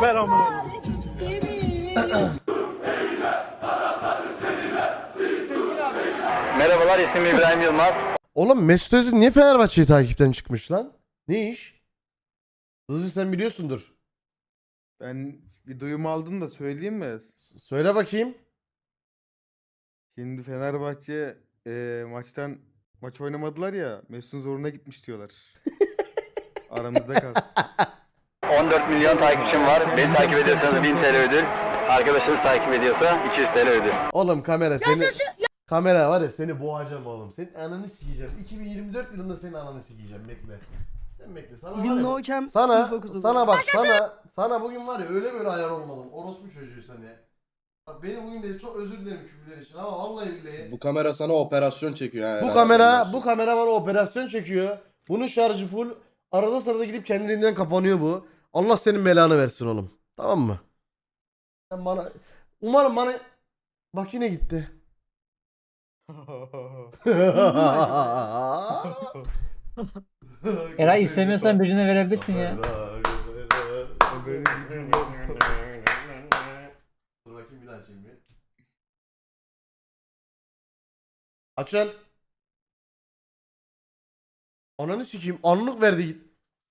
ver amına. Merhabalar, ismim İbrahim Yılmaz. Oğlum Mesut Özil niye Fenerbahçe'yi takipten çıkmış lan? Ne iş? Hızlı sen biliyorsundur. Ben bir duyum aldım da söyleyeyim mi? Söyle bakayım. Şimdi Fenerbahçe maç oynamadılar ya. Mesut'un zoruna gitmiş diyorlar. Aramızda kalsın. 14 milyon takipçim var. Beni takip ediyorsanız 1000 TL ödül. Arkadaşınız takip ediyorsa 200 TL ödül. Oğlum kamera seni... Kamera var ya seni boğacağım oğlum. Senin ananı sikeceğim. 2024 yılında senin ananı sikeceğim. Bekle. Sen bekle. Sana var Bugün ya- no cam Sana, info kutusu. sana bak sana bugün var ya öyle böyle ayar olmadım. Orospu çocuğu seni. Bak beni bugün de çok özür dilerim küfürler için ama vallahi billahi. Bu kamera sana operasyon çekiyor yani. Bu kamera bana operasyon çekiyor. Bunun şarjı full. Arada sırada gidip kendiliğinden kapanıyor bu. Allah senin belanı versin oğlum. Tamam mı? Sen bana umarım bana bak yine gitti. Eray istemiyorsan birine verebilirsin ya. Dur bakayım bir daha açayım bir. Açıl. Ananı sikeyim. Anlık verdi git.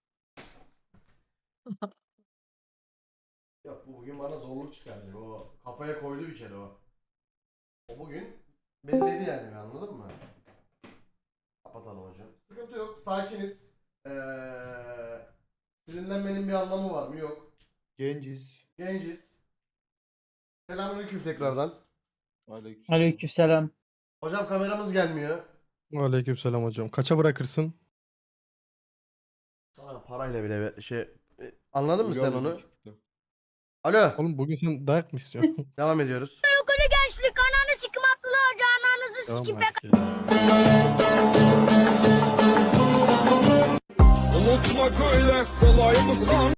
Yok bu bugün bana zorluk çıkardı. O kafaya koydu bir kere o. O bugün belledi yani anladın mı? Kapatalım hocam. Sıkıntı yok. Sakiniz. Sinirlenmenin bir anlamı var mı? Yok. Genciz. Genciz. Selamünaleyküm tekrardan. Aleykümselam. Hocam kameramız gelmiyor. Aleykümselam hocam. Kaça bırakırsın? Sana parayla bile anladın mı sen onu? Alo. Oğlum bugün sen dayak mı istiyorsun? Devam ediyoruz. Gençlik ananı sikim atlı hoca ananızı Tamam sikim hadi. Unutmak öyle kolay mı san?